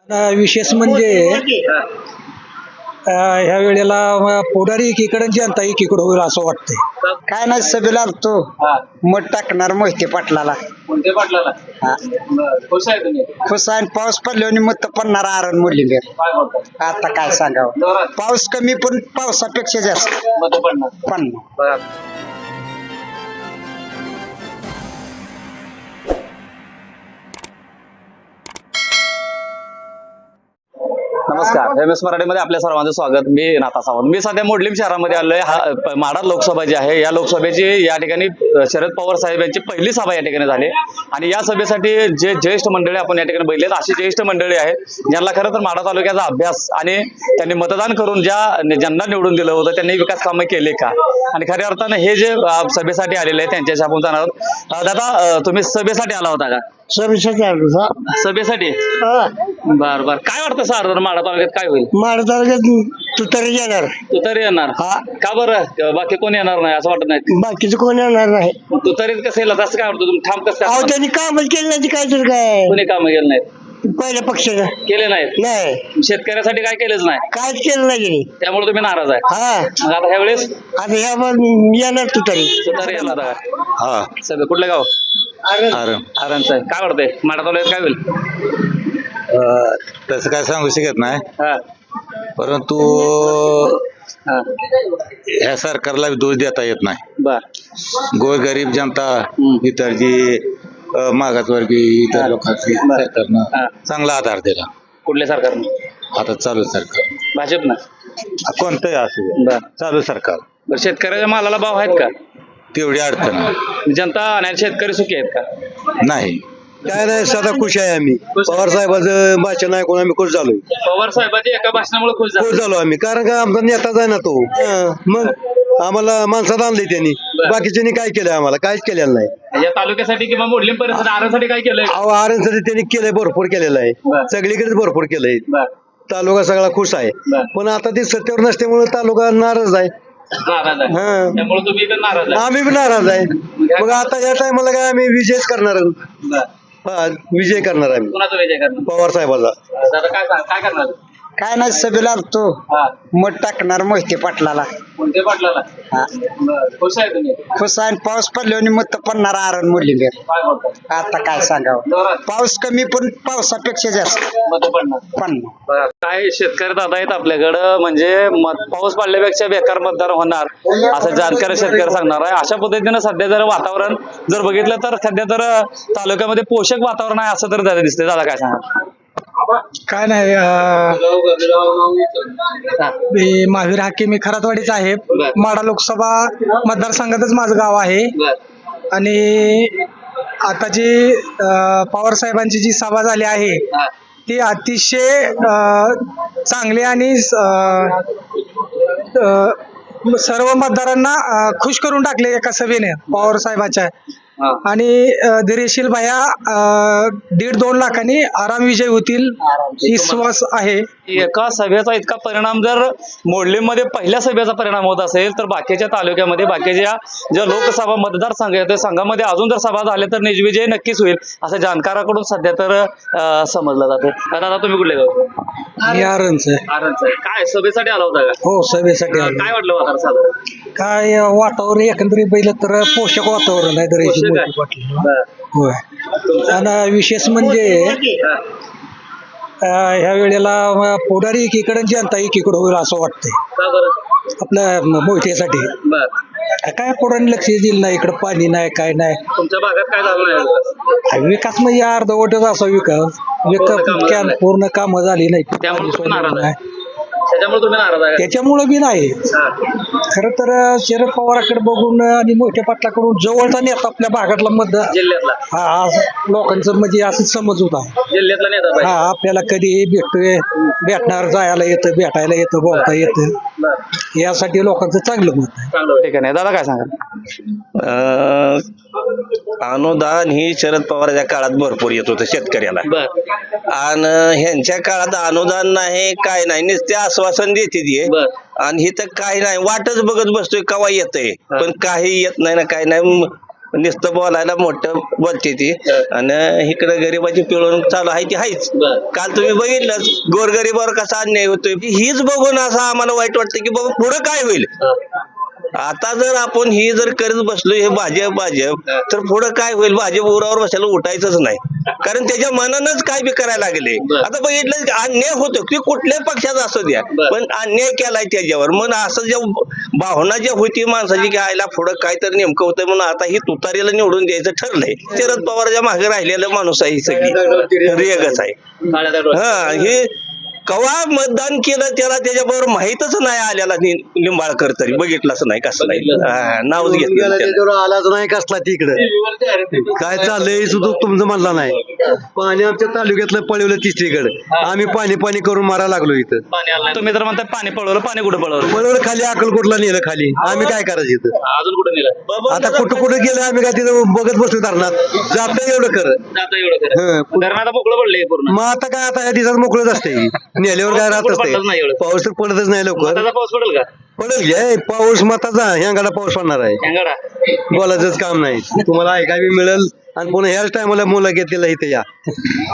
विशेष म्हणजे ह्या वेळेला पुढारी एकीकडे जनता एकीकडे होईल असं वाटतंय. काय नाही सभेला आलतो मत टाकणार मोहिते पाटलाला. कोणते पाटलाला हा. खुश आहे तुम्ही खुश आहे पाऊस पडल्याने मत पडणार आरण मुरलीधर. काय बोलता आता काय सांगावं जोरात पाऊस कमी पण पावसापेक्षा जास्त मत पडणार पडणार. नमस्कार एम एस मराठीमध्ये आपल्या सर्वांचं स्वागत. मी नाथा सावंत. मी सध्या मोडलीम शहरामध्ये आलोय. माढा लोकसभा जी आहे या लोकसभेची या ठिकाणी शरद पवार साहेब यांची पहिली सभा या ठिकाणी झाली आणि या सभेसाठी जे ज्येष्ठ मंडळी आपण या ठिकाणी बघितलेत अशी ज्येष्ठ मंडळी आहेत ज्यांना खरं तर माढा तालुक्याचा अभ्यास आणि त्यांनी मतदान करून ज्यांना निवडून दिलं होतं त्यांनी विकास कामं केले का आणि खऱ्या अर्थानं हे जे सभेसाठी आलेले आहेत त्यांच्याशी आपण जाणार आहोत. दादा तुम्ही सभेसाठी आला होता का? सभेसाठी बर बर. काय वाटतं सर माढा तालुक्यात काय होईल? माढा तालुक्यात तू तरी येणार तू तरी येणार का बरं? बाकी कोण येणार नाही असं वाटत नाही? बाकीचं कोण येणार नाही. तू तरीच कसं येईल असं काय वाटतं? तुम्ही ठाम कसं अहो त्यांनी कामच केलं नाही काय तर काय कोणी काम केलं नाहीत? पहिल्या पक्षाचं केले नाहीत? नाही शेतकऱ्यासाठी काय केलंच नाही कायच केलं नाही त्यांनी. त्यामुळे तुम्ही नाराज आहे. हा मग आता ह्या वेळेस आता ह्या येणार तू तरी. तू तरी येणार का? हा सगळं कुठलं गाव? अरे आरणचं आहे. काय वाटतंय माढा तालुक्यात काय होईल? तसं काय सांगू शकत नाही हा परंतु हा ह्या सरकारला दोष देता येत नाही. बर गोरगरीब जनता इतर जी मागासवर्गीय इतर लोकांची सरकारनं चांगला आधार दिला. कुठल्या सरकारनं? आता चालू सरकार भाजपनं? कोणतंही असू दे, बर चालू सरकार बर. शेतकऱ्याच्या मालाला भाव आहेत का? तेवढी अडचण नाही. जनता आणि शेतकरी सुखी आहेत का? नाही. काय नाही सदा खुश आहे आम्ही. पवार साहेबांचं भाषण ऐकून आम्ही खुश झालोय. पवार साहेबांच्या एका भाषणामुळे खुश खुश झाले. झालो आम्ही कारण का आमचा नेताच आहे ना तो. मग आम्हाला माणसात आणले त्यांनी. बाकीच्यांनी काय केलं आम्हाला काहीच केलेलं नाही. या तालुक्यासाठी किंवा मोडलीम परिसर आरणसाठी काय केलंय? अहो आरणसाठी त्यांनी केलंय भरपूर केलेलं आहे. बरं. सगळीकडेच भरपूर केलंय. बर तालुका सगळा खुश आहे. बरं. पण आता ते सत्तेवर नसल्यामुळे तालुका नाराज आहे. नाराज आहे हा. त्यामुळे तुम्ही इथं नाराज आहे. आम्ही बी नाराज आहे. मग आता या टायमाला काय आम्ही विजयच करणार आहोत. बर. हा विजय करणार आम्ही कुणाचा विजय करणार? पवार साहेबाचा. दादा काय करणार? काय नाही सभेला आलतो हा मत टाकणार मोहिते पाटलाला. कोणते पाटलाला? हा. बर. खुश आहे तुम्ही? खुश आहे पाऊस पडल्याने मत पडणार आरण मुरलीधर. काय बोलता आता काय सांगावं जोरात पाऊस कमी पण पावसापेक्षा जास्त मत पडणार? पडणार. काय शेतकरी दादा आहेत आपल्याकडं म्हणजे पाऊस पडल्यापेक्षा बेकार मतदार होणार असं जाणकार शेतकरी सांगणार आहे. अशा पद्धतीनं सध्या जर वातावरण जर बघितलं तर सध्या तर तालुक्यामध्ये पोषक वातावरण आहे असं तर दिसतंय. दादा काय सांगा? काय नाही मी महावीर हाके मी खरातवाडीचा आहे. माढा लोकसभा मतदारसंघातच माझं गाव आहे. आणि आता जी पवार साहेबांची जी सभा झाली आहे ती अतिशय चांगली आणि सर्व मतदारांना खुश करून टाकले एका सभेने पवार साहेबांच्या. आणि धैर्यशील भैया 1.5-2 लाखांनी आराम विजय होतील विश्वास आहे. एका सभेचा इतका परिणाम जर मोडलीमध्ये पहिल्या सभेचा परिणाम होत असेल तर बाकीच्या तालुक्यामध्ये बाकीच्या ज्या लोकसभा मतदारसंघ आहेत त्या संघामध्ये अजून जर सभा झाल्या तर निजविजय नक्कीच होईल असं जाणकाराकडून सध्या तर समजलं जाते. दादा तुम्ही कुठले गाव? मी आरणचं. आरणचं आहे. काय सभेसाठी आला होता का? हो सभेसाठी आलो. काय वाटलं वातावरण साधारण? काय वातावरण एकंदरीत बघितलं तर पोषक वातावरण आहे. पोषक आहे. बरं. होय. आणि विशेष म्हणजे ह्या वेळेला पुढारी एकीकडे जनता एकीकडे होईल असं वाटतंय का बरं? आपल्या मोहितेसाठी. बर. काय पुढारी लक्ष दिलं नाही. इकडं पाणी नाही काय नाही. तुमच्या भागात काय झालं नाही? विकास म्हणजे अर्धवटच असा विकास पूर्ण कामं झाली नाही. त्यामुळे तुम्ही नाराज आहे. त्याच्यामुळे तुम्ही नाराज आहे? त्याच्यामुळे बी नाही. खरं तर शरद पवाराकडे बघून आणि मोठ्या पाटलाकडून जवळचा नेता आपल्या भागातला जिल्ह्यातला हा लोकांचं म्हणजे असं समज होता. जिल्ह्यातला नेता हा पाहिजे. आपल्याला कधीही भेटतोय भेटणार जायला येतं भेटायला येतं बोलता येतं बरं. यासाठी लोकांचं चांगलं मत आहे. चांगलं ठिकाण आहे. दादा काय सांगा? अनुदान ही शरद पवारच्या काळात भरपूर येत होतं शेतकऱ्याला. बर. आणि ह्यांच्या काळात अनुदान नाही काय नाही नुसते आश्वासन देते बर. आणि हे तर काही नाही वाटच बघत बसतोय केव्हा येतंय पण काही येत नाही ना काही नाही. नुसतं बोलायला मोठं बोलते ती आणि इकडे गरिबाची पिळवणूक चालू आहे ती आहेच. काल तुम्ही बघितलं गोरगरिबावर कसा अन्याय होतोय हीच बघून असं आम्हाला वाईट वाटतं की बाबा पुढे काय होईल. आता जर आपण ही जर करत बसलो हे भाजप तर पुढे काय होईल. भाजप उरावर बसायला उठायचंच नाही कारण त्याच्या मनानंच काय बी करायला लागले. आता बघितलं अन्याय होतो की कुठल्याही पक्षाचा असू द्या पण अन्याय केलाय त्याच्यावर. मग असं ज्या भावना ज्या होती माणसाची की आयला पुढं काय तर नेमकं होतं म्हणून आता ही तुतारीला निवडून द्यायचं ठरलंय. शरद पवारच्या मागे राहिलेलं माणूस आहे ही सगळी रेगच आहे. हा हे कवा मतदान केलं त्याला त्याच्याबरोबर माहीतच नाही आल्याला लिंबाळकर तरी बघितलंच नाही कसं नाही नावच घेतलं त्याला. आलाच नाही कसला तिकडं काय चाललंय सुद्धा तुमचं म्हणला नाही. पाणी आमच्या तालुक्यातलं पळवलं तिसरीकडे आम्ही पाणी पाणी करून मारायला लागलो इथं. तुम्ही तर म्हणताय पाणी पळवलं, पाणी कुठं पळवलं? पळवलं खाली अक्कलकोटला नेलं खाली. आम्ही काय करायचं इथं अजून कुठं नेलं? आता कुठं कुठं गेलं आम्ही काय तिथं बघत बसलो धरणात जातं एवढं कर. आता एवढं धरणात मोकळं पडलंय पूर्ण. मग आता काय आता या दिवसात मोकळत असते नेल्यावर काय राहत पडलंच नाही असते. एवढं. पाऊस तर पडतच नाही लवकर. त्याचा पाऊस पडेल का? पडेल घ्या पाऊस मताचा ह्यांगाला पाऊस पडणार आहे. शेंगाडा बोलायचंच काम नाही. तुम्हाला ऐकायला मिळेल आणि पुन्हा ह्याच टायमाला मुलं घेतलेला इथे या